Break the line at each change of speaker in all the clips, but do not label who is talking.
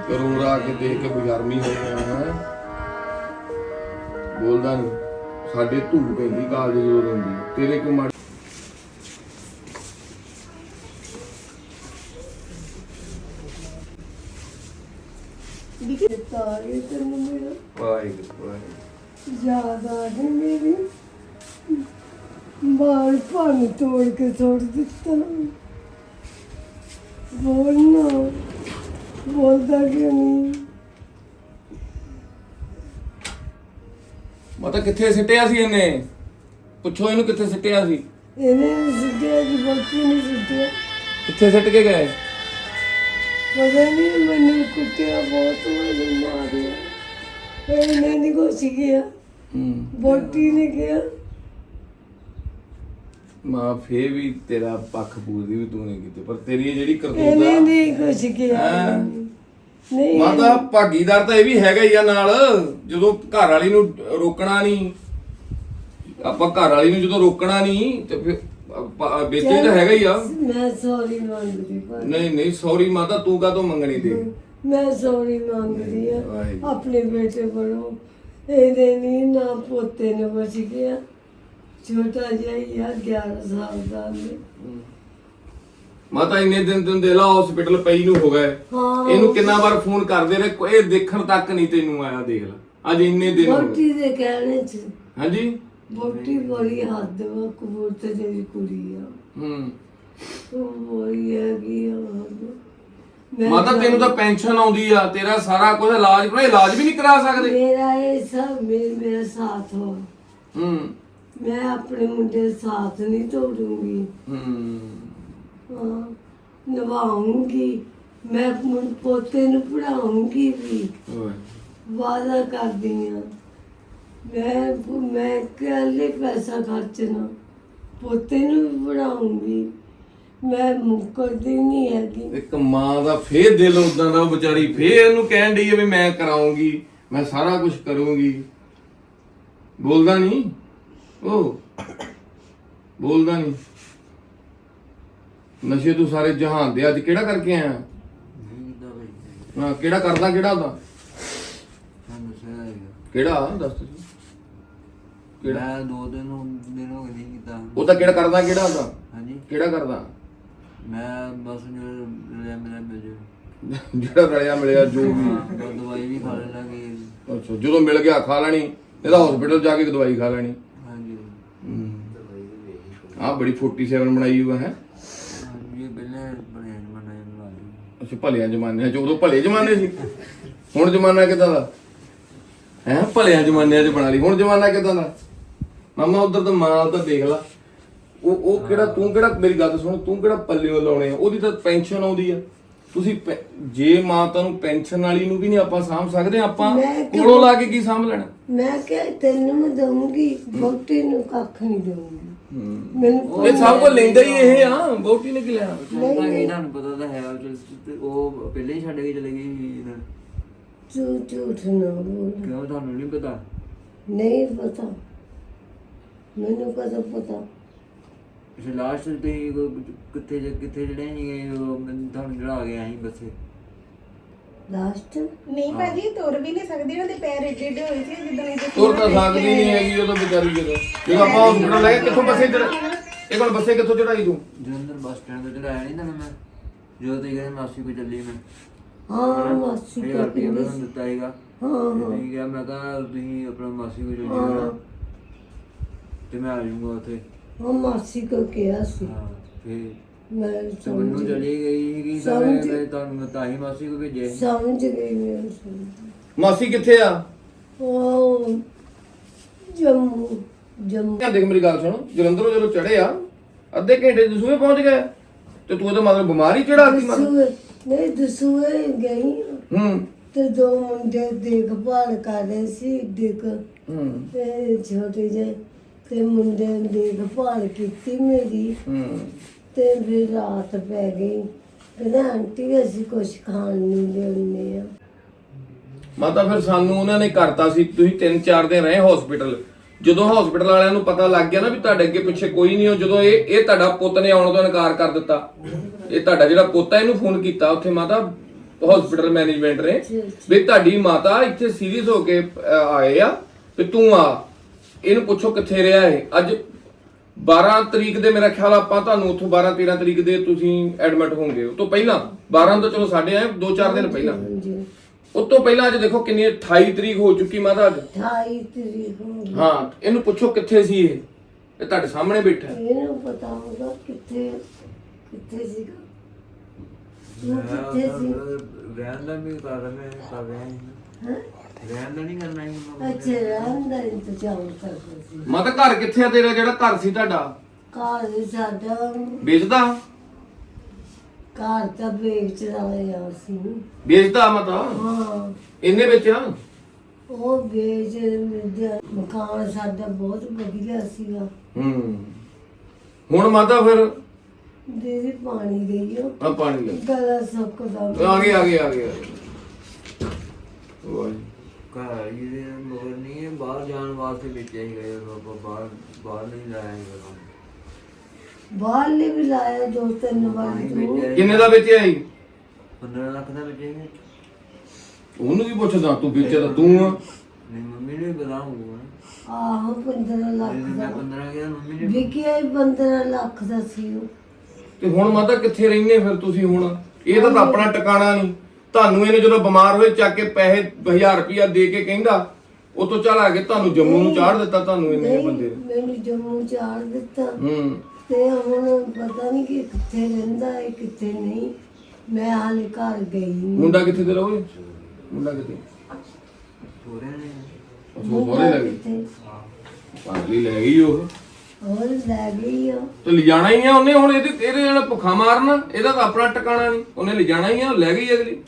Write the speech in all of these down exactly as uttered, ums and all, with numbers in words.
ਕਰੋੜਾ ਕੇ ਦੇਖ ਕੇ ਬੇਸ਼ਰਮੀ ਹੋ ਗਿਆ ਹੈ। ਬੋਲਦਾ ਨਹੀਂ ਸਾਡੇ ਧੂੜ ਪੈਂਦੀ ਕਾਲਜ ਜਦੋਂ ਰਹਿੰਦੀ ਤੇਰੇ ਕਿਉਂ ਮਾਰ
ਤਾਰੇ ਤੈਨੂੰ ਮੇਰਾ
ਵਾਹਿਗੁਰੂ ਵਾਹਿਗੁਰੂ
ਯਾਦ ਆ ਗਈ ਮੇਰੀ ਬਾਲ ਭੰਨ ਤੋੜ ਕੇ ਸੁੱਟ ਦਿੱਤਾ। ਬੋਲਣਾ ਬੋਲਦਾ ਕਿਉਂ ਨਹੀਂ?
ਮਾਤਾ ਕਿੱਥੇ ਸਿੱਟਿਆ ਸੀ ਇਹਨੇ? ਪੁੱਛੋ ਇਹਨੂੰ ਕਿੱਥੇ ਸਿੱਟਿਆ ਸੀ?
ਇਹਨੇ ਨੀ ਸੁੱਟਿਆ ਕਿ ਬੱਚੀ ਨਹੀਂ ਸੁੱਟਿਆ।
ਕਿੱਥੇ ਸਿੱਟ ਕੇ ਗਏ?
ਪਤਾ ਨਹੀਂ ਮੈਨੂੰ ਕੁੱਟਿਆ ਬਹੁਤ ਮੈਨੂੰ ਮਾਰਿਆ। ਇਹਨੇ ਨਹੀਂ ਕੁਛ ਕਿਹਾ
ਹੂੰ
ਬੋਟੀ ਨੇ ਕਿਹਾ।
ਮਾਂ ਫੇਰ ਵੀ ਤੇਰਾ ਪੱਖ ਪੂਰਦੀ ਵੀ ਤੂੰ ਨਹੀਂ ਕੀਤੀ, ਪਰ ਤੇਰੀ ਇਹ ਜਿਹੜੀ ਕਰਤੂਤ
ਇਹਨੇ
ਆ
ਨਹੀਂ ਕੁਛ ਕਿਹਾ।
ਹੈਂ?
ਨਹੀਂ
ਮਾਤਾ ਭਾਗੀਦਾਰ ਤਾਂ ਇਹ ਵੀ ਹੈਗਾ ਹੀ ਆ ਨਾਲ। ਜਦੋਂ ਘਰ ਵਾਲੀ ਨੂੰ ਰੋਕਣਾ ਨਹੀਂ, ਆਪਾਂ ਘਰ ਵਾਲੀ ਨੂੰ ਜਦੋਂ ਰੋਕਣਾ ਨਹੀਂ ਤੇ ਫਿਰ ਬੇਚੇ ਤਾਂ ਹੈਗਾ ਹੀ ਆ।
ਮੈਂ ਸੌਰੀ ਮੰਗਦੀ ਪਰ
ਨਹੀਂ ਨਹੀਂ ਸੌਰੀ ਮਾਤਾ, ਤੂੰ ਕਾਹਤੋਂ ਮੰਗਣੀ ਤੇ?
ਮੈਂ ਸੌਰੀ ਮੰਗਦੀ ਆ
ਵਾਹਿਗੁਰੂ।
ਆਪਣੇ ਬੇਟੇ ਕੋਲੋਂ। ਇਹਦੇ ਨਹੀਂ ਨਾ ਪੋਤੇ ਨੇ ਬਚ ਗਿਆ, ਛੋਟਾ ਜਿਹਾ ਹੀ ਆ ਗਿਆਰਾਂ ਸਾਲ ਦਾ ਨੇ।
ਮਾਤਾ ਇੰਨੇ ਦਿਨ ਤੈਨੂੰ ਦੇ ਲਾ ਹਸਪੀਟਲ ਪਈ ਨੂੰ ਹੋ ਗਏ।
ਹਾਂ
ਇਹਨੂੰ ਕਿੰਨਾ ਵਾਰ ਫੋਨ ਕਰਦੇ ਰਹੇ, ਕੋਈ ਦੇਖਣ ਤੱਕ ਨਹੀਂ ਤੈਨੂੰ ਆਇਆ। ਦੇਖ ਲੈ ਅੱਜ ਇੰਨੇ ਦਿਨ ਹੋ ਗਏ।
ਬੋਟੀ ਦੇ ਕਹਿਣੇ ਚ
ਹਾਂਜੀ
ਬੋਟੀ ਬੜੀ ਹੱਦ ਵਾ, ਕਬੂਤਰ ਦੀ ਕੁੜੀ ਆ
ਹੂੰ
ਉਹ ਬੜੀ ਹੈਗੀ ਆ। ਮੈਂ
ਮਾਤਾ ਤੈਨੂੰ ਤਾਂ ਪੈਨਸ਼ਨ ਆਉਂਦੀ ਆ, ਤੇਰਾ ਸਾਰਾ ਕੁਝ ਇਲਾਜ ਪਰ ਇਲਾਜ ਵੀ ਨਹੀਂ ਕਰਾ ਸਕਦੇ।
ਮੇਰਾ ਇਹ ਸਭ ਮੇ- ਮੇਰਾ ਸਾਥ ਹੋ।
ਹੂੰ
ਮੈਂ ਆਪਣੇ ਮੁੰਡੇ ਦਾ ਸਾਥ ਨਹੀਂ ਤੋੜੂੰਗੀ।
ਹੂੰ
ਹਾਂ ਨਿਭਾਉਂਗੀ। ਮੈਂ ਮੁੰ- ਪੋਤੇ ਨੂੰ ਪੜਾਉਂਗੀ ਵੀ,
ਓਏ
ਵਾਅਦਾ ਕਰਦੀ ਹਾਂ। ਮੈਂ ਮੈਂ ਕੱਲੇ ਪੈਸਾ ਖਰਚਣਾ, ਪੋਤੇ ਨੂੰ ਵੀ ਪੜਾਉਂਗੀ। ਮੈਂ ਮੁੱਕਰਦੀ ਨਹੀਂ ਹੈਗੀ।
ਇੱਕ ਮਾਂ ਦਾ ਫੇਰ ਦਿਲ ਉਦਾਂ ਦਾ, ਉਹ ਵਿਚਾਰੀ ਫੇਰ ਇਹਨੂੰ ਕਹਿਣ ਡਈ ਆ ਵੀ ਮੈਂ ਕਰਾਉਂਗੀ, ਮੈਂ ਸਾਰਾ ਕੁਝ ਕਰੂੰਗੀ। ਬੋਲਦਾ ਨਹੀਂ ਉਹ, ਬੋਲਦਾ ਨਹੀਂ। ਨਸ਼ੇ ਤੂੰ ਸਾਰੇ ਜਹਾਨ ਦੇ ਅੱਜ ਕਿਹੜਾ ਕਰਕੇ ਆਇਆ? ਹਾਂ ਕਿਹੜਾ ਕਰਦਾ, ਕਿਹੜਾ ਉਹਦਾ ਕਿਹੜਾ ਦੱਸ ਤੁਸੀਂ ਕਿਹੜਾ?
ਮੈਂ ਦੋ ਦਿਨ ਹੋ ਦਿਨ ਹੋ ਗਏ ਨਹੀਂ ਕੀਤਾ।
ਉਹ ਤਾਂ ਕਿਹੜਾ ਕਰਦਾ, ਕਿਹੜਾ ਉਹਦਾ
ਹਾਂਜੀ
ਕਿਹੜਾ ਕਰਦਾ?
ਮੈਂ ਬਸ ਜੋ ਲੈ ਮੇਰਾ ਮਿਲ ਜੇ
ਜਿਹੜਾ ਰਲਿਆ ਮਿਲਿਆ ਜੋ ਵੀ।
ਬਸ ਦਵਾਈ ਵੀ ਖਾ ਲੈਣਾ ਕਿ
ਅੱਛਾ ਜਦੋਂ ਮਿਲ ਗਿਆ ਖਾ ਲੈਣੀ, ਇਹਦਾ ਹਸਪੀਟਲ ਜਾ ਕੇ ਦਵਾਈ ਖਾ ਲੈਣੀ।
ਹਾਂਜੀ
ਆਹ ਬੜੀ ਸੈਂਤਾਲੀ ਬਣਾਈ ਹੋਇਆ ਹੈ।
ਹਾਂਜੀ ਇਹ ਪਹਿਲੇ ਬਣੇ ਜਮਾਨਾ ਜਮਾ
ਅੱਛਾ ਭਲਿਆਂ ਜ਼ਮਾਨਿਆਂ ਚ, ਉਦੋਂ ਭਲੇ ਜ਼ਮਾਨੇ ਸੀ। ਹੁਣ ਜ਼ਮਾਨਾ ਕਿੱਦਾਂ ਦਾ ਹੈ? ਭਲਿਆਂ ਜ਼ਮਾਨਿਆਂ ਚ ਬਣਾ ਲਈ, ਹੁਣ ਜ਼ਮਾਨਾ ਕਿੱਦਾਂ ਦਾ? ਮਾਮਾ ਉਧਰ ਤਾਂ ਮਾਂ ਤਾਂ ਦੇਖ ਲਾ। ਉਹ ਉਹ ਕਿਹੜਾ ਤੂੰ ਕਿਹੜਾ ਮੇਰੀ ਗੱਲ ਸੁਣ, ਤੂੰ ਕਿਹੜਾ ਪੱਲਿਓ ਲਾਉਣੇ ਆ? ਉਹਦੀ ਤਾਂ ਪੈਨਸ਼ਨ ਆਉਂਦੀ ਆ। ਤੁਸੀਂ ਪੈ- ਜੇ ਮਾਤਾ ਨੂੰ ਪੈਨਸ਼ਨ ਵਾਲੀ ਨੂੰ ਵੀ ਨਹੀਂ ਆਪਾਂ ਸਾਂਭ ਸਕਦੇ, ਆਪਾਂ
ਮੈਂ ਕਿਉਂ-
ਕੋਲੋਂ ਲਾ ਕੇ ਕੀ ਸਾਂਭ ਲੈਣਾ?
ਮੈਂ ਕਿਹਾ ਤੈਨੂੰ ਮੈਂ ਦਊਂਗੀ, ਬੋਟੀ ਨੂੰ ਕੱਖ ਨਹੀਂ ਦਊਂਗੀ। ਮੈਨੂੰ
ਇਹ ਸਭ ਕੁਝ ਲੈਂਦਾ ਹੀ ਇਹ ਆ, ਬਹੁਤੀ ਨੇ ਕੀ ਲੈਣਾ?
ਤਾਂ ਕਿ ਤੁਹਾਨੂੰ ਪਤਾ ਤਾਂ ਹੈ ਉਹ ਚਲ- ਤੇ ਉਹ ਪਹਿਲੇ ਹੀ ਛੱਡ ਕੇ ਚਲੇ ਗਏ ਸੀ ਨਾ।
ਝੂਠ ਝੂਠ ਨਾ ਬੋਲ।
ਕਿਉਂ ਤੁਹਾਨੂੰ ਨਹੀਂ ਪਤਾ?
ਨਹੀਂ ਪਤਾ ਮੈਨੂੰ, ਕਦੋਂ ਪਤਾ?
ਤੁਸੀਂ ਲਾਸਟ ਤੇ ਕਿੱਥੇ ਜ- ਕਿੱਥੇ ਜਿਹੜੇ ਸੀਗੇ ਉਹ ਮੈਨੂੰ ਤੁਹਾਨੂੰ ਜਿਹੜਾ ਆ ਗਿਆ ਸੀ ਬੱਸੇ।
ਲਾਸਟ
ਨਹੀਂ ਭਾਜੀ ਤੁਰ ਵੀ ਨਹੀਂ ਸਕਦੀ, ਉਹਦੇ ਪੈਰ ਏਡੇ ਏਡੇ ਹੋਏ ਸੀ ਜਿੱਦਾਂ ਇਹਦੇ
ਤੁਰ ਤਾਂ ਸਕਦੀ ਨਹੀਂ ਹੈਗੀ ਉਹ ਤਾਂ ਵਿਚਾਰੀ। ਜਦੋਂ ਜਦੋਂ ਆਪਾਂ ਹਸਪੀਟਲ ਲੈ ਗਏ, ਕਿੱਥੋਂ ਬੱਸੇ ਚੜਾ ਇਹ ਕੋਲ ਬੱਸੇ ਕਿੱਥੋਂ ਚੜਾਈ ਤੂੰ?
ਜਲੰਧਰ ਬੱਸ ਸਟੈਂਡ ਤੋਂ ਚੜਾਇਆ ਨਹੀਂ ਨਾ ਮੈਂ, ਜਦੋਂ ਤੁਸੀਂ ਕਹਿੰਦੇ ਮਾਸੀ ਕੋ ਚੱਲੀ ਮੈਂ।
ਹਾਂ ਮਾਸੀ
ਹਜ਼ਾਰ
ਕੋ
ਰੁਪਇਆ ਮੈਂ
ਕਿੰਨੀ
ਤੁਹਾਨੂੰ ਦਿੱਤਾ ਸੀਗਾ।
ਹਾਂ
ਤੇ
ਹਾਂ
ਤੁਸੀਂ ਕਿਹਾ ਮੈਂ ਕਿਹਾ ਤੁਸੀਂ ਆਪਣਾ ਮਾਸੀ ਕੋ ਚੱਲੀ
ਹਾਂ
ਜਾਓ ਤੇ ਮੈਂ ਆ ਜਾਊਂਗਾ ਉੱਥੇ।
ਹਾਂ ਮਾਸੀ ਕੋ ਕਿਹਾ ਸੀ।
ਹਾਂ ਫਿਰ
ਮੈਂ
ਤੇ ਮੈਨੂੰ
ਸਮਝ
ਚਲੀ ਗਈ ਸੀਗੀ ਤਾਂ ਮੈਂ ਮੈਂ ਤੁਹਾਨੂੰ ਤਾਂ ਹੀ ਮਾਸੀ ਕੋ ਭੇਜਿਆ ਸੀ।
ਸਮਝ ਗਈ ਮੈਂ ਸਮਝ।
ਮਾਸੀ ਕਿੱਥੇ ਆ?
ਉਹ ਜੰਮੂ ਜੰਮੂ
ਦੇਖ ਮੇਰੀ ਗੱਲ ਸੁਣ, ਜਲੰਧਰੋਂ ਜਦੋਂ ਚੜੇ ਆ ਅੱਧੇ ਘੰਟੇ ਦਸੂਏ ਪਹੁੰਚ ਗਏ ਤੇ ਤੂੰ ਉਹਦਾ ਮਤਲਬ ਬਿਮਾਰੀ ਚੜਾਤੀ ਮਨ।
ਦਸੂਏ ਨਹੀਂ ਦਸੂਏ ਗਈ
ਹੂੰ
ਤੇ ਦੋ ਮੁੰਡੇ ਦੇਖਭਾਲ ਕਰ ਰਹੇ ਸੀ, ਦੇਖ
ਹੂੰ
ਤੇ ਛੋਟੇ ਜਿਹੇ ਤੇ ਮੁੰਡੇ ਨੇ ਦੇਖਭਾਲ ਕੀਤੀ ਮੇਰੀ।
ਹੂੰ
ਤੇ ਫਿਰ ਰਾਤ ਪੈ ਗਈ। ਕਹਿੰਦਾ ਆਂਟੀ ਅਸੀਂ ਕੁਛ ਖਾਣ ਨੂੰ ਲਿਆਉਂਦੇ ਆ।
ਮਾਤਾ ਫਿਰ ਸਾਨੂੰ ਉਹਨਾਂ ਨੇ ਕਰਤਾ ਸੀ, ਤੁਸੀਂ ਤਿੰਨ ਚਾਰ ਦਿਨ ਰਹੇ ਹਸਪੀਟਲ। ਜਦੋਂ ਹਸਪੀਟਲ ਵਾਲਿਆਂ ਨੂੰ ਪਤਾ ਲੱਗ ਗਿਆ ਨਾ ਵੀ ਤੁਹਾਡੇ ਅੱਗੇ ਪਿੱਛੇ ਕੋਈ ਨਹੀਂ, ਉਹ ਜਦੋਂ ਇਹ ਇਹ ਤੁਹਾਡਾ ਪੁੱਤ ਨੇ ਆਉਣ ਤੋਂ ਇਨਕਾਰ ਕਰ ਦਿੱਤਾ, ਇਹ ਤੁਹਾਡਾ ਜਿਹੜਾ ਪੁੱਤ ਹੈ ਇਹਨੂੰ ਫੋਨ ਕੀਤਾ ਉੱਥੇ ਮਾਤਾ ਹਸਪੀਟਲ ਮੈਨੇਜਮੈਂਟ ਨੇ ਵੀ ਤੁਹਾਡੀ ਮਾਤਾ ਇੱਥੇ ਸੀਰੀਅਸ ਹੋ ਕੇ ਅਹ, ਆਏ ਆ ਤੇ ਤੂੰ ਆ ਇਹਨੂੰ ਪੁੱਛੋ ਕਿੱਥੇ ਰਿਹਾ ਇਹ। ਅੱਜ ਬਾਰਾਂ ਤਰੀਕ ਦੇ ਮੇਰਾ ਖਿਆਲ ਆਪਾਂ ਤੁਹਾਨੂੰ ਉੱਥੋਂ ਬਾਰਾਂ ਤੇਰਾਂ ਤਰੀਕ ਦੇ ਤੁਸੀਂ ਐਡਮਿਟ ਹੋਵੋਗੇ। ਉਸ ਤੋਂ ਪਹਿਲਾਂ ਬਾਰਾਂ ਤੋਂ ਚਲੋ ਸਾਡੇ ਆਏ ਦੋ ਚਾਰ ਦਿਨ ਪਹਿਲਾਂ,
ਹਾਂਜੀ
ਉਸ ਤੋਂ ਪਹਿਲਾਂ ਅੱਜ ਦੇਖੋ ਕਿੰਨੀ ਅਠਾਈ ਤਰੀਕ ਹੋ ਚੁੱਕੀ ਮਾਤਾ ਅੱਜ।
ਅਠਾਈ ਤਰੀਕ ਹੋ ਗਈ।
ਹਾਂ ਇਹਨੂੰ ਪੁੱਛੋ ਕਿੱਥੇ ਸੀ ਇਹ ਇਹ ਤੁਹਾਡੇ ਸਾਹਮਣੇ ਬੈਠਾ ਹੈ।
ਇਹਨੂੰ ਪਤਾ ਹੋਗਾ ਕਿੱਥੇ ਕਿੱਥੇ ਸੀਗਾ ਤੂੰ ਕਿੱਥੇ ਸੀ।
ਰਹਿਣ ਦਾ ਵੀ ਕਰ ਰਹੇ ਕਰ ਰਹੇ
ਹੈਂ?
ਰਹਿਣ ਦਾ ਨਹੀਂ ਕਰਨਾ ਹੈ
ਅੱਛਾ ਰਹਿਣ ਦਾ ਇੰਤਜ਼ਾਮ ਕਰਦਾ ਸੀ।
ਮਾਤਾ ਘਰ ਕਿੱਥੇ ਆ ਤੇਰਾ ਜਿਹੜਾ ਘਰ ਸੀ ਤੁਹਾਡਾ?
ਘਰ ਸਾਡਾ
ਵੇਚਦਾ
ਘਰ ਤਾਂ ਵੇਚਦਾ ਆ ਸੀ।
ਵੇਚਦਾ ਮਾਤਾ
ਹਾਂ
ਇਹਨੇ ਵੇਚਿਆ?
ਉਹ ਵੇਚ ਦਿਆ। ਮਕਾਨ ਸਾਡਾ ਬਹੁਤ ਵਧੀਆ ਸੀਗਾ।
ਹੂੰ ਹੁਣ ਮਾਤਾ ਫਿਰ
ਦੀਦੀ ਪਾਣੀ ਦੇਈਓ
ਆ ਪਾਣੀ ਲੈ
ਗਲਾ ਸੁੱਕਦਾ
ਆ ਗਏ ਆ ਗਏ ਆ ਗਏ ਵਾਹ
ਘਰ ਇਹਦੇ ਮਗਰ ਨਹੀਂ ਹੈ, ਬਾਹਰ ਜਾਣ ਵਾਸਤੇ ਵੇਚਿਆ ਹੀ ਗਏ ਆਪਾਂ ਬਾਹਰ ਬਾਹਰ ਨਹੀਂ ਲਾਇਆ ਹੈਗਾ।
ਬਾਹਰ ਨੇ ਵੀ ਲਾਇਆ ਦੋ ਤਿੰਨ ਵਾਰ ਤੂੰ
ਕਿੰਨੇ ਦਾ ਵੇਚਿਆ ਸੀ?
ਪੰਦਰਾਂ ਲੱਖ ਦਾ ਵੇਚਿਆ ਸੀ।
ਉਹਨੂੰ ਵੀ ਪੁੱਛਦਾ ਤੂੰ ਵੇਚਿਆ ਤਾਂ ਤੂੰ ਆ।
ਨਹੀਂ ਮੰਮੀ ਨੇ ਬਤਾ ਹੋਊਗਾ।
ਆਹੋ ਪੰਦਰਾਂ ਲੱਖ
ਮੈਂ
ਦਾ
ਪੰਦਰਾਂ ਗਿਆ ਮੰਮੀ ਨੇ
ਵਿਕਿਆ ਹੀ ਪੰਦਰਾਂ ਲੱਖ ਦਾ ਸੀ ਉਹ।
ਤੇ ਹੁਣ ਮਾਤਾ ਕਿੱਥੇ ਰਹਿੰਦੇ ਫਿਰ ਤੁਸੀਂ ਹੁਣ? ਇਹ ਤਾਂ ਆਪਣਾ ਟਿਕਾਣਾ ਨਹੀਂ। ਤੁਹਾਨੂੰ ਇਹਨੇ ਜਦੋਂ ਬਿਮਾਰ ਹੋਏ ਚੱਕ ਕੇ ਪੈਸੇ ਹਜ਼ਾਰ ਰੁਪਇਆ ਦੇ ਕੇ ਕਹਿੰਦਾ ਉਹ ਤੋਂ ਚੱਲ ਆ ਕੇ ਤੁਹਾਨੂੰ ਜੰਮੂ ਨੂੰ ਚਾੜ ਦਿੱਤਾ ਤੁਹਾਨੂੰ ਇਹਨੇ
ਨਹੀਂ,
ਬੰਦੇ ਨੇ।
ਮੈਨੂੰ ਜੰਮੂ ਚਾੜ ਦਿੱਤਾ
ਹੂੰ
ਤੇ ਹੁਣ ਪਤਾ ਨਹੀਂ ਕਿ ਕਿੱਥੇ ਰਹਿੰਦਾ ਹੈ ਕਿੱਥੇ ਨਹੀਂ। ਮੈਂ ਹਾਲੇ ਘਰ ਗਈ ਨਹੀਂ।
ਮੁੰਡਾ ਕਿੱਥੇ ਤੇ ਰਹੋਗੇ? ਮੁੰਡਾ ਕਿੱਥੇ?
ਸੋਹਰਿਆਂ ਨੇ
ਉਹ ਸੋਹਰੇ ਲੱਗੇ
ਕਿੱਥੇ?
ਪਾਗਲੀ ਲੈ ਗਈ ਉਹ
ਹੋਰ ਲੈ ਗਈ ਆ।
ਤੇ ਲਿਜਾਣਾ ਹੀ ਆ ਉਹਨੇ। ਹੁਣ ਇਹਦੇ ਇਹਦੇ ਜਿਹੜਾ ਭੁੱਖਾ ਮਾਰਨਾ ਇਹਦਾ ਤਾਂ ਆਪਣਾ ਟਿਕਾਣਾ ਨਹੀਂ। ਉਹਨੇ ਲਿਜਾਣਾ ਹੀ ਆ, ਲੈ ਗਈ ਅਗਲੀ।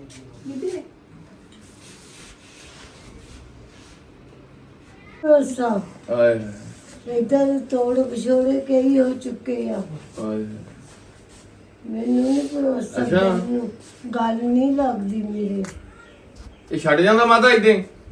ਭਰੋਸਾ
ਆਏ
ਏਦਾਂ ਦੇ ਤੋੜ ਵਿਛੋੜੇ ਕਈ ਹੋ ਚੁੱਕੇ ਆ।
ਆਏ
ਮੈਨੂੰ ਨਹੀਂ ਭਰੋਸਾ।
ਅੱਛਾ।
ਮੈਨੂੰ ਗੱਲ ਨਹੀਂ ਲੱਗਦੀ ਮੇਰੇ।
ਇਹ ਛੱਡ ਜਾਂਦਾ ਮਾਤਾ ਇਦਾਂ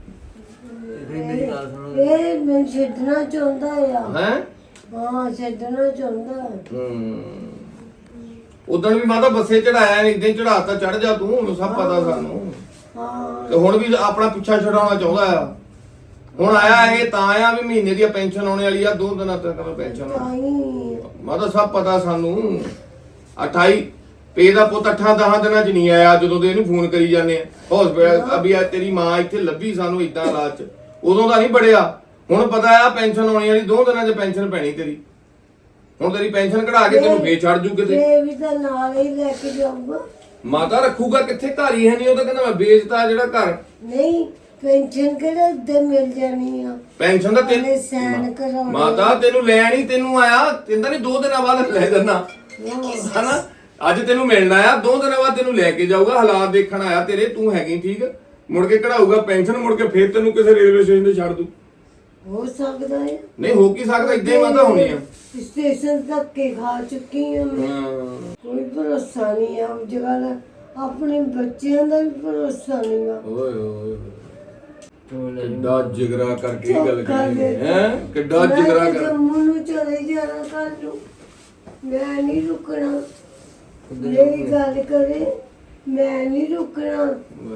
ਫਿਰ ਮੇਰੀ ਗੱਲ ਸੁਣੋ।
ਇਹ ਮੈਨੂੰ ਛੱਡਣਾ ਚਾਹੁੰਦਾ ਆ।
ਹੈ?
ਹਾਂ ਛੱਡਣਾ ਚਾਹੁੰਦਾ।
ਹੂੰ ਉਦੋਂ ਵੀ ਮਾਤਾ ਬੱਸੇ ਚੜਾਇਆ ਇਦਾਂ ਹੀ ਚੜਾਤਾ ਚੜ ਜਾ ਤੂੰ। ਉਹਨੂੰ ਸਭ ਪਤਾ ਸਾਨੂੰ।
ਹਾਂ
ਤੇ ਹੁਣ ਵੀ ਆਪਣਾ ਪਿੱਛਾ ਛਡਾਉਣਾ ਚਾਹੁੰਦਾ ਆ। ਹੁਣ ਆਇਆ ਇਹ ਤਾਂ ਆਇਆ ਵੀ ਮਹੀਨੇ ਦੀ ਪੈਨਸ਼ਨ ਆਉਣੇ ਵਾਲੀ ਆ, ਦੋ ਦਿਨਾਂ ਤੱਕ ਪੈਨਸ਼ਨ
ਤਾਈ
ਮਾਤਾ ਸਭ ਪਤਾ ਸਾਨੂੰ। ਅਠਾਈ ਪੇ ਦਾ ਪੁੱਤ ਅੱਠਾਂ ਦਹਾਂ ਦਿਨਾਂ ਚ ਨਹੀਂ ਆਇਆ ਜਦੋਂ ਦੇ ਇਹਨੂੰ ਫੋਨ ਕਰੀ ਜਾਂਦੇ ਆ ਹਸਪੀਟਲ ਅਭੀ ਆ ਤੇਰੀ ਮਾਂ ਇੱਥੇ ਲੱਭੀ ਸਾਨੂੰ ਇਦਾਂ ਹਾਲਾਤ ਚ। ਉਦੋਂ ਦਾ ਨਹੀਂ ਬੜਿਆ। ਹੁਣ ਪਤਾ ਆ ਪੈਨਸ਼ਨ ਆਉਣੀ ਵਾਲੀ, ਦੋ ਦਿਨਾਂ ਚ ਪੈਨਸ਼ਨ ਪੈਣੀ ਤੇਰੀ। ਹੁਣ ਤੇਰੀ ਪੈਨਸ਼ਨ ਕਢਾ ਕੇ ਤੈਨੂੰ ਫੇਰ ਛੱਡ ਜੂ ਕਿਤੇ।
ਇਹ ਵੀ ਤਾਂ ਨਾਲ ਹੀ ਲੈ ਕੇ ਜਾਊਗਾ।
ਮਾਤਾ ਰੱਖੂਗਾ ਕਿੱਥੇ? ਘਰ ਹੀ ਹੈ ਨਹੀਂ। ਉਹ ਤਾਂ ਕਹਿੰਦਾ ਮੈਂ ਵੇਚਤਾ ਜਿਹੜਾ ਘਰ।
ਨਹੀਂ ਪੈਨਸ਼ਨ ਕਿਹੜੇ ਦੇ ਮਿਲ ਜਾਣੀ ਆ।
ਪੈਨਸ਼ਨ ਦਾ
ਪਹਿਲੇ ਸਾਈਨ ਕਰਾਉਣੇ।
ਮਾਤਾ ਤੈਨੂੰ ਲੈਣ ਹੀ ਤੈਨੂੰ ਆਇਆ। ਕਹਿੰਦਾ ਨਹੀਂ ਦੋ ਦਿਨਾਂ ਬਾਅਦ ਲੈ ਜਾਣਾ ਹਨਾ। ਅੱਜ ਤੈਨੂੰ ਮਿਲਣਾ ਆ, ਦੋ ਦਿਨਾਂ ਬਾਅਦ ਤੈਨੂੰ ਲੈ ਕੇ ਜਾਊਗਾ। ਹਾਲਾਤ ਦੇਖਣ ਆਇਆ ਤੇਰੇ। ਤੂੰ ਹੈਗੀ ਠੀਕ, ਮੁੜ ਕੇ ਕਢਾਊਗਾ ਪੈਨਸ਼ਨ, ਮੁੜ ਕੇ ਫੇਰ ਤੈਨੂੰ ਕਿਸੇ ਰੇਲਵੇ ਸਟੇਸ਼ਨ ਤੇ ਛੱਡ ਦੂ।
ਹੋ ਸਕਦਾ ਹੈ।
ਨਹੀਂ ਹੋ ਕੀ ਸਕਦਾ, ਇਦਾਂ ਹੀ ਮਾਤਾ ਹੋਣੀ ਆ।
ਸਟੇਸ਼ਨ ਤੱਕ ਕੇ ਖਾ ਚੁੱਕੀ ਹਾਂ ਮੈਂ।
ਹਾਂ
ਕੋਈ ਭਰੋਸਾ ਨਹੀਂ ਆ ਉਸ ਜਗ੍ਹਾ ਦਾ। ਆਪਣੇ ਬੱਚਿਆਂ ਦਾ ਵੀ ਭਰੋਸਾ ਨਹੀਂ ਆ।
ਓਏ ਓਏ
ਚੋਲ
ਕਿੱਡਾ ਜਿਗਰਾ ਕਰਕੇ ਇਹ ਗੱਲ
ਧੋਖਾ
ਕਰੀ
ਦੇ
ਹੈ। ਕਿੱਡਾ
ਮੈਂ
ਜਿਗਰਾ
ਤਾਂ
ਕਰ।
ਜੰਮੂ ਨੂੰ ਚਲੇ ਜਾਣਾ ਕਰ ਲੂ। ਮੈਂ ਨਹੀਂ ਰੁਕਣਾ। ਮੇਰੀ ਗੱਲ ਕਰੇ ਮੈਂ ਨਹੀਂ ਰੁਕਣਾ।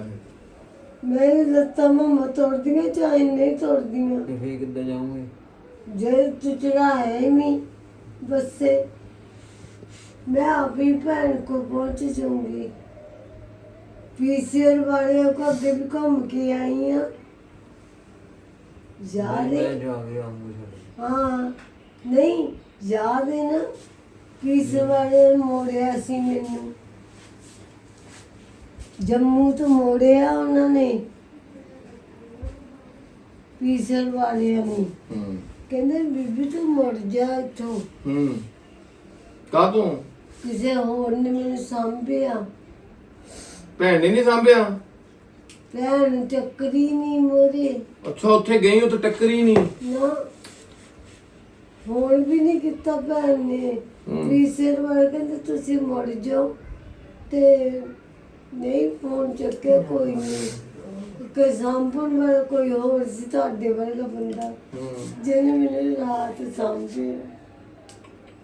ਮੈਂ ਲੱਤਾਂ ਮਮਾ ਤੋੜਦੀਆਂ ਚਾਹੇ ਨਹੀਂ ਤੋੜਦੀਆਂ।
ਤੇ ਫੇਰ ਕਿੱਦਾਂ ਜਾਉਂਗੇ?
ਜੇ ਤੂੰ ਚੜਾਇਆ ਹੀ ਨਹੀਂ ਬੱਸੇ मैं अभी भैन को पहुंच जाऊंगी। पीसीआर वाले को अगे भी घूम के आई हूँ। याद है? हाँ नहीं याद है ना, पीसीआर वाले मोड़िया सी मैनू जम्मू तो मोड़िया उन्होंने पीसीआर वाले ने। कहते बीबी तू मुड़ जा इथों।
ਕਾਹਤੋਂ?
ਕਿਸੇ ਹੋਰ ਨੇ ਮੈਨੂੰ ਸਾਂਭਿਆ।
ਭੈਣ ਨੇ ਨਹੀਂ ਸਾਂਭਿਆ?
ਭੈਣ ਟੱਕਰੀ ਨਹੀਂ ਮੋਰੇ।
ਅੱਛਾ ਉੱਥੇ ਗਈ ਉੱਥੇ ਟੱਕਰੀ ਨਹੀਂ
ਨਾ ਫੋਨ ਵੀ ਨਹੀਂ ਕੀਤਾ ਭੈਣ ਨੇ। ਪੀਸੀਆਰ ਵਾਲੇ ਕਹਿੰਦੇ ਤੁਸੀਂ ਮੁੜ ਜਾਓ ਤੇ ਨਹੀਂ ਫੋਨ ਚੱਕਿਆ ਕੋਈ ਨਹੀਂ। ਕੋਈ ਸਾਂਭਣ ਵਾਲਾ ਕੋਈ ਹੋਰ ਸੀ ਤੁਹਾਡੇ ਵਰਗਾ ਬੰਦਾ ਜਿਹਨੇ ਮੈਨੂੰ ਰਾਤ ਸਾਂਭਿਆ।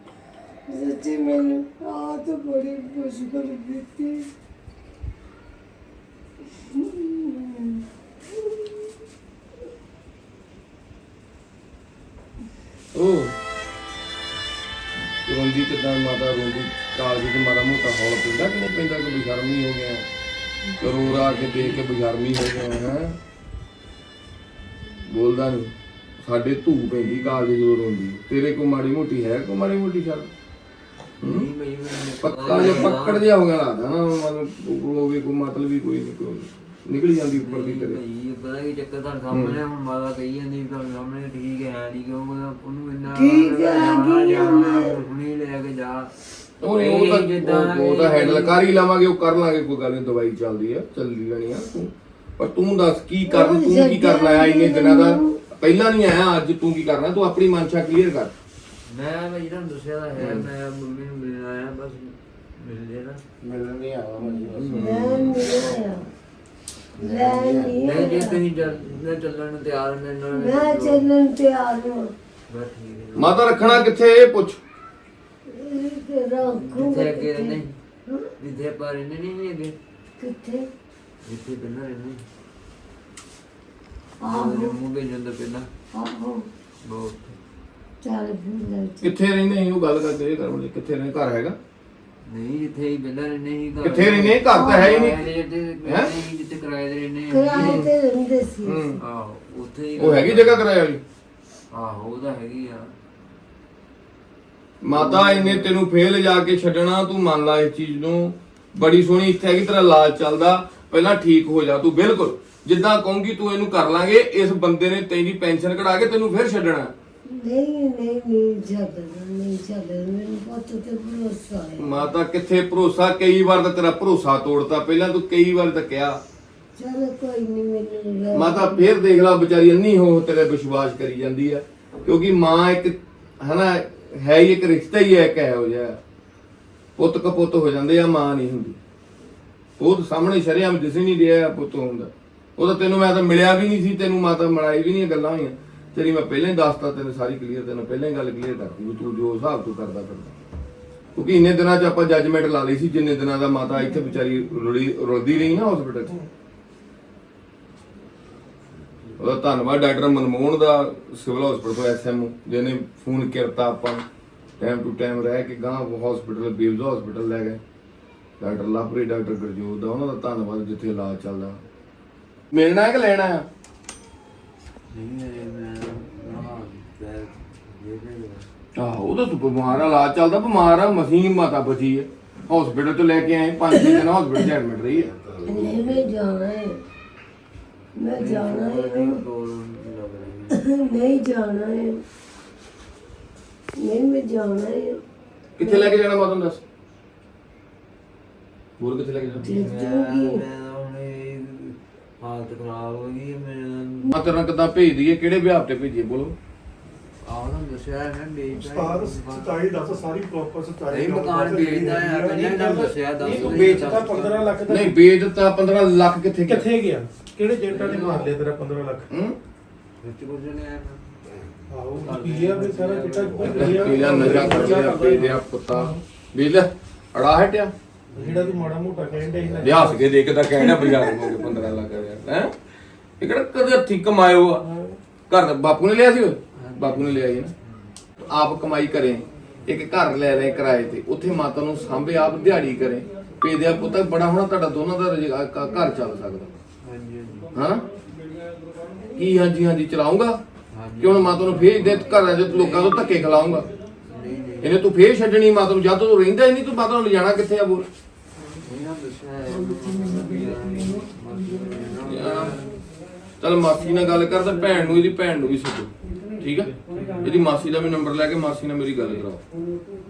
सच्ची मैंने रात बड़ी मुश्किल बीती।
ਉਹ ਰੋਂਦੀ ਕਿਦਾਂ ਮਾਤਾ ਰੋਂਦੀ ਕਾਲਜ ਤੇ ਮਾੜਾ ਮੋਟਾ ਹੌਲ ਪੈਂਦਾ ਕਿ ਨਹੀਂ ਪੈਂਦਾ ਕਿ ਬੇਸ਼ਰਮੀ ਹੋ ਗਿਆ ਕਰੋ ਰਾ ਕੇ ਦੇਖ ਕੇ ਬੇਸ਼ਰਮੀ ਹੋ ਗਿਆ ਹੈ ਬੋਲਦਾ ਨਹੀਂ ਸਾਡੇ ਧੂ ਪੈਂਦੀ ਕਾਲਜ ਜਦੋਂ ਰੋਂਦੀ ਤੇਰੇ ਕੋ ਮਾੜੀ ਮੋਟੀ ਹੈ ਕੋ ਮਾੜੀ ਮੋਟੀ ਸ਼ਰਮ
ਨਹੀਂ ਬਈ ਮੈਨੂੰ
ਪੱਕਾ ਜੇ ਪੱਕੜ ਜਿਹਾ ਹੋ ਗਿਆ ਲੱਗਦਾ ਨਾ ਮਤਲਬ ਹੋਵੇ ਕੋਈ ਮਤਲਬ ਵੀ ਕੋਈ ਨਹੀਂ ਕੋਈ ਨਿਕਲ ਜਾਂਦੀ ਉੱਪਰ ਦੀ ਤੇਰੇ
ਬਈ ਪਤਾ ਕੀ ਚੱਕਰ ਤੁਹਾਡੇ ਸਾਹਮਣੇ ਹੁਣ ਮਾਤਾ ਕਹੀ ਜਾਂਦੀ ਵੀ ਤੁਹਾਡੇ ਸਾਹਮਣੇ ਠੀਕ ਹੈ ਨਹੀਂ ਕਿਉਂ ਉਹਨੂੰ ਇੰਨਾ
ਠੀਕ ਹੈ, ਕੀ
ਜਾਣਾ ਹੁਣੇ ਲੈ ਕੇ ਜਾ
ਉਹ ਨਹੀਂ ਉਹ ਤਾਂ ਉਹ- ਉਹ ਤਾਂ ਹੈਂਡਲ ਕਰ ਹੀ ਲਵਾਂਗੇ ਉਹ ਕਰ ਲਾਂਗੇ ਕੋਈ ਗੱਲ ਨਹੀਂ ਦਵਾਈ ਚੱਲਦੀ ਆ ਚੱਲਦੀ ਰਹਿਣੀ ਆ ਤੂੰ ਪਰ ਤੂੰ ਦੱਸ ਕੀ ਕਰਨ ਤੂੰ ਕੀ ਕਰਨ ਆਇਆ ਇੰਨੇ ਦਿਨਾਂ ਦਾ ਪਹਿਲਾਂ ਨਹੀਂ ਆਇਆ ਅੱਜ ਤੂੰ ਕੀ ਕਰਨਾ ਤੂੰ ਆਪਣੀ ਮਨਸ਼ਾ ਕਲੀਅਰ ਕਰ
ਮੈਂ ਬਈ ਤੁਹਾਨੂੰ ਦੱਸਿਆ ਤਾਂ ਹੈ ਮੈਂ ਮੰਮੀ ਨੂੰ ਮਿਲਣ ਆਇਆ ਬਸ ਮਿਲ ਜੇ ਨਾ
ਮਿਲਣ ਨਹੀਂ ਆਵਾ
ਮੈਂ ਨਹੀਂ ਆਇਆ ਲੈ ਨਹੀਂ
ਨਹੀਂ ਜੇ
ਆਇਆ।
ਤੁਸੀਂ ਚੱਲ ਮੈਂ ਚੱਲਣ ਨੂੰ ਤਿਆਰ ਮੈਂ ਨਾਲ
ਮੈਂ ਚੱਲਣ ਤਿਆਰ ਹਾਂ
ਬਸ ਠੀਕ ਹੈ
ਮਾਤਾ ਰੱਖਣਾ ਕਿੱਥੇ ਇਹ ਪੁੱਛ
ਇਹ ਰੱਖੂਗਾ
ਜਿੱਥੇ ਅੱਗੇ ਰਹਿੰਦੇ
ਹਾਂ?
ਜਿੱਥੇ ਆਪਾਂ ਰਹਿੰਦੇ ਨਹੀਂ ਅੱਗੇ
ਕਿੱਥੇ
ਜਿੱਥੇ ਪਹਿਲਾਂ ਰਹਿੰਦੇ
ਆਹੋ
ਮੂੰਹ ਭੇਜਣ ਤੋਂ ਪਹਿਲਾਂ
ਆਹੋ
ਬਹੁਤ
ਚੱਲ ਫਿਰ ਲੈ ਚੱਲ।
ਕਿੱਥੇ ਰਹਿੰਦੇ ਸੀ ਉਹ ਗੱਲ ਕਰਦੇ ਇਹ ਕਰਨ ਕਿੱਥੇ ਰਹਿੰਦੇ ਘਰ ਹੈਗਾ
ਨਹੀਂ ਜਿੱਥੇ ਹੀ ਪਹਿਲਾਂ ਰਹਿੰਦੇ ਸੀ ਘਰ
ਕਿੱਥੇ ਰਹਿੰਦੇ ਘਰ ਤਾਂ ਹੈ ਹੀ ਨਹੀਂ
ਹੈਂ? ਜਿੱਥੇ ਕਿਰਾਏ ਤੇ ਰਹਿੰਦੇ
ਕਿਰਾਏ ਤੇ ਰਹਿੰਦੇ ਸੀ
ਹੂੰ
ਆਹੋ ਉੱਥੇ ਹੀ
ਉਹ ਹੈਗੀ ਜਗ੍ਹਾ ਕਿਰਾਏ ਵਾਲੀ
ਆਹੋ ਉਹ ਤਾਂ ਹੈਗੀ ਆ
ਮਾਤਾ ਇਹਨੇ ਤੈਨੂੰ ਫੇਲ ਜਾ ਕੇ ਛੱਡਣਾ ਤੂੰ ਮੰਨ ਲੈ ਇਸ ਚੀਜ਼ ਨੂੰ ਬੜੀ ਸੋਹਣੀ ਇੱਥੇ ਹੈਗੀ ਤੇਰਾ ਇਲਾਜ ਚੱਲਦਾ ਪਹਿਲਾਂ ਠੀਕ ਹੋ ਜਾ ਤੂੰ ਬਿਲਕੁਲ ਜਿੱਦਾਂ ਕਹੂੰਗੀ ਤੂੰ ਇਹਨੂੰ ਕਰ ਲਾਂਗੇ ਇਸ ਬੰਦੇ ਨੇ ਤੇਰੀ ਪੈਨਸ਼ਨ ਕਢਾ ਕੇ ਤੈਨੂੰ ਫਿਰ ਛੱਡਣਾ
ਨਹੀਂ ਨਹੀਂ ਨਹੀਂ ਛੱਡਣਾ ਨਹੀਂ ਛੱਡਣਾ ਮੈਨੂੰ ਪੁੱਤ ਤੇ ਭਰੋਸਾ ਹੈ
ਮਾਤਾ ਕਿੱਥੇ ਭਰੋਸਾ ਕਈ ਵਾਰ ਤਾਂ ਤੇਰਾ ਭਰੋਸਾ ਤੋੜਤਾ ਪਹਿਲਾਂ ਤੂੰ ਕਈ ਵਾਰ ਤਾਂ ਕਿਹਾ
ਚਲ ਕੋਈ ਨਹੀਂ ਮੈਨੂੰ ਲੈ-
ਮਾਤਾ ਫੇਰ ਦੇਖ ਲਾ ਵਿਚਾਰੀ ਅੰਨੀ ਹੋ ਤੇਰੇ ਵਿਸ਼ਵਾਸ ਕਰੀ ਜਾਂਦੀ ਆ ਕਿਉਂਕਿ ਮਾਂ ਇੱਕ ਹਨਾ ਹੈ ਹੀ ਇੱਕ ਰਿਸ਼ਤਾ ਹੀ ਹੈ ਇੱਕ ਇਹੋ ਜਿਹਾ ਪੁੱਤ ਕਪੁੱਤ ਹੋ ਜਾਂਦੇ ਆ ਮਾਂ ਨਹੀਂ ਹੁੰਦੀ ਉਹ ਤਾਂ ਸਾਹਮਣੇ ਸ਼ਰੇਆਮ ਦਿਸ ਹੀ ਨਹੀਂ ਰਿਹਾ ਪੁੱਤ ਹੁੰਦਾ ਉਹ ਤਾਂ ਤੈਨੂੰ ਮੈਂ ਤਾਂ ਮਿਲਿਆ ਵੀ ਨਹੀਂ ਸੀ ਤੈਨੂੰ ਮਾਤਾ ਮੜਾਈ ਵੀ ਨਹੀਂ ਗੱਲਾਂ ਹੋਈਆਂ ਤੇਰੀ ਮੈਂ ਪਹਿਲਾਂ ਹੀ ਦੱਸਤਾ ਤੈਨੂੰ ਸਾਰੀ ਕਲੀਅਰ ਤੈਨੂੰ ਪਹਿਲਾਂ ਹੀ ਗੱਲ ਕਲੀਅਰ ਕਰਤੀ ਵੀ ਤੂੰ ਜੋ ਹਿਸਾਬ ਤੂੰ ਕਰਦਾ ਫਿਰਦਾ ਕਿਉਂਕਿ ਇੰਨੇ ਦਿਨਾਂ 'ਚ ਆਪਾਂ ਜੱਜਮੈਂਟ ਲਾ ਲਈ ਸੀ ਜਿੰਨੇ ਦਿਨਾਂ ਦਾ ਮਾਤਾ ਇੱਥੇ ਵਿਚਾਰੀ ਰੁਲੀ ਰੁਲਦੀ ਰਹੀ ਨਾ ਹਸਪੀਟਲ 'ਚ ਉਹਦਾ ਧੰਨਵਾਦ ਡਾਕਟਰ ਮਨਮੋਹਨ ਦਾ ਸਿਵਲ ਹਸਪੀਟਲ ਤੋਂ ਐਸਐਮਓ ਜਿਹਨੇ ਫੋਨ ਕੀਤਾ ਆਪਾਂ ਟਾਈਮ ਟੂ ਟਾਈਮ ਰਹਿ ਕੇ ਗਾਂ ਹਸਪੀਟਲ ਬੇਬਜ਼ ਹਸਪੀਟਲ ਲੈ ਗਏ ਡਾਕਟਰ ਲਾਪਰੀ ਡਾਕਟਰ ਗੁਰਜੋਤ ਦਾ ਉਹਨਾਂ ਦਾ ਧੰਨਵਾਦ ਜਿੱਥੇ ਇਲਾਜ ਚੱਲਦਾ ਮਿਲਣਾ ਹੈ ਕਿ ਲੈਣਾ ਹੈ
ਨਹੀਂ ਇਹ ਮੈਂ ਹਾਂ ਤੇ ਇਹ ਨਹੀਂ
ਆਹੋ ਉਹ ਤਾਂ ਤੂੰ ਬਿਮਾਰ ਆ ਇਲਾਜ ਚੱਲਦਾ ਬਿਮਾਰ ਆ ਮਸੀਂ ਮਾਤਾ ਬਚੀ ਹੈ ਹਸਪੀਟਲ ਤੋਂ ਲੈ ਕੇ ਆਏ ਪੰਜ ਛੇ ਦਿਨ ਹਸਪੀਟਲ ਚ ਐਡਮਿਟ ਰਹੀ ਹੈ
ਨਹੀਂ ਮੈਂ ਜਾਣਾ ਹੈ ਮੈਂ ਜਾਣਾ ਹੈ
ਕੋਲ ਲੱਗ ਰਹੀ
ਨਹੀਂ ਜਾਣਾ ਹੈ ਨਹੀਂ ਮੈਂ ਜਾਣਾ ਹੈ
ਕਿੱਥੇ ਲੈ ਕੇ ਜਾਣਾ ਮਾਤਾ ਨੂੰ ਦੱਸ ਹੋਰ ਕਿੱਥੇ ਲੈ ਕੇ ਜਾਣਾ
ਠੀਕ
ਮੈਂ
ਜੂਗੀ
ਮੈਂ ਹੁਣ ਇਹ ਹਾਲਤ ਖਰਾਬ ਹੋ ਗਈ ਮੈਂ
ਮਾਤਾ ਨੂੰ ਕਿੱਦਾਂ ਭੇਜ ਦਈਏ ਕਿਹੜੇ ਵਿਆਹ ਤੇ ਭੇਜੀਏ ਬੋਲੋ
ਆਹ ਨਾ ਦੱਸਿਆ ਹੈ ਨਾ
ਉਸਤਾਦ ਸੱਚਾਈ ਦੱਸ ਸਾਰੀ ਪ੍ਰੋਪਰ ਸੱਚਾਈ
ਨਹੀਂ ਮਕਾਨ ਵੇਚਦਾ ਆ ਪਹਿਲਾਂ ਹੀ ਤੁਹਾਨੂੰ ਦੱਸਿਆ ਦੱਸ
ਤੂੰ ਵੇਚਦਾ ਪੰਦਰਾਂ ਲੱਖ ਦਾ
ਨਹੀਂ ਵੇਚ ਦਿੱਤਾ ਪੰਦਰਾਂ ਲੱਖ ਕਿੱਥੇ ਗਿਆ
ਕਿੱਥੇ ਗਿਆ ਕਿਹੜੇ ਏਜੰਟਾਂ ਨੇ ਮਾਰ ਲਿਆ ਤੇਰਾ ਪੰਦਰਾਂ ਲੱਖ
ਹੂੰ
ਵਿੱਚ ਕੁਝ ਨਹੀਂ ਆਇਆ
ਆਹੋ ਪੀਆ ਵੀ ਸਾਰਾ ਚਿੱਟਾ
ਪੀਲਾ ਨਜ਼ਰ ਕਰਦੇ ਆ ਬੇਦਿਆ ਪੁੱਤਾ ਵੇਲ ਅੜਾ ਹਟਿਆ
ਜਿਹੜਾ ਤੂੰ ਮਾੜਾ ਮੋਟਾ ਕਹਿੰਦਾ ਸੀ ਨਾ
ਲਿਆਸ ਕੇ ਦੇਖਦਾ ਕਹਿਣਾ ਬਾਜ਼ਾਰ ਹੋ ਗਏ ਪੰਦਰਾਂ ਲੱਖ ਹੈ ਹੈ ਇਹ ਕਿਹੜਾ ਕਦੇ ਹੱਥੀਂ ਕਮਾਇਓ ਆ ਘਰ ਦਾ ਬਾਪੂ ਨੇ ਲਿਆ ਸੀ ਉਹ? ਬਾਪੂ ਨੇ ਲਿਆ ਸੀ ਨਾ ਆਪ ਕਮਾਈ ਕਰੇ ਇੱਕ ਘਰ ਲੈ ਲੈ ਕਿਰਾਏ ਤੇ ਉੱਥੇ ਮਾਤਾ ਨੂੰ ਸਾਂਭੇ ਆਪ ਦਿਹਾੜੀ ਕਰੇ ਪੇਦਿਆ ਪੁੱਤ ਬੜਾ ਹੋਣਾ ਤੁਹਾਡਾ ਦੋਨਾਂ ਦਾ ਰੁਜ਼ਗਾਰ- ਘ- ਘਰ ਚੱਲ ਸਕਦਾ
ਹਾਂਜੀ ਹਾਂਜੀ
ਹਾਂ ਕੀ ਹਾਂਜੀ ਹਾਂਜੀ ਚਲਾਉਂਗਾ
ਹਾਂਜੀ
ਕਿ ਹੁਣ ਮਾਤਾ ਨੂੰ ਫੇਰ ਦੇ ਘਰਾਂ ਦੇ ਲੋਕਾਂ ਤੋਂ ਧੱਕੇ ਖਿਲਾਉਂਗਾ
ਨਹੀਂ ਨਹੀਂ
ਇਹਨੇ ਤੂੰ ਫੇਰ ਛੱਡਣੀ ਮਾਤਾ ਨੂੰ ਜਦ ਤੂੰ ਰਹਿੰਦਾ ਹੀ ਨਹੀਂ ਤੂੰ ਮਾਤਾ ਨੂੰ ਲਿਜਾਣਾ ਕਿੱਥੇ ਆ ਬੋਲ
ਇਹਨਾਂ ਦੱਸਿਆ ਹੈ
ਚੱਲ ਮਾਸੀ ਨਾਲ ਗੱਲ ਕਰ ਤਾਂ ਭੈਣ ਨੂੰ ਇਹਦੀ ਭੈਣ ਨੂੰ ਵੀ ਸੱਦੋ ਠੀਕ ਆ ਇਹਦੀ ਮਾਸੀ ਦਾ ਵੀ ਨੰਬਰ ਲੈ ਕੇ ਮਾਸੀ ਨਾਲ ਮੇਰੀ ਗੱਲ ਕਰਾਓ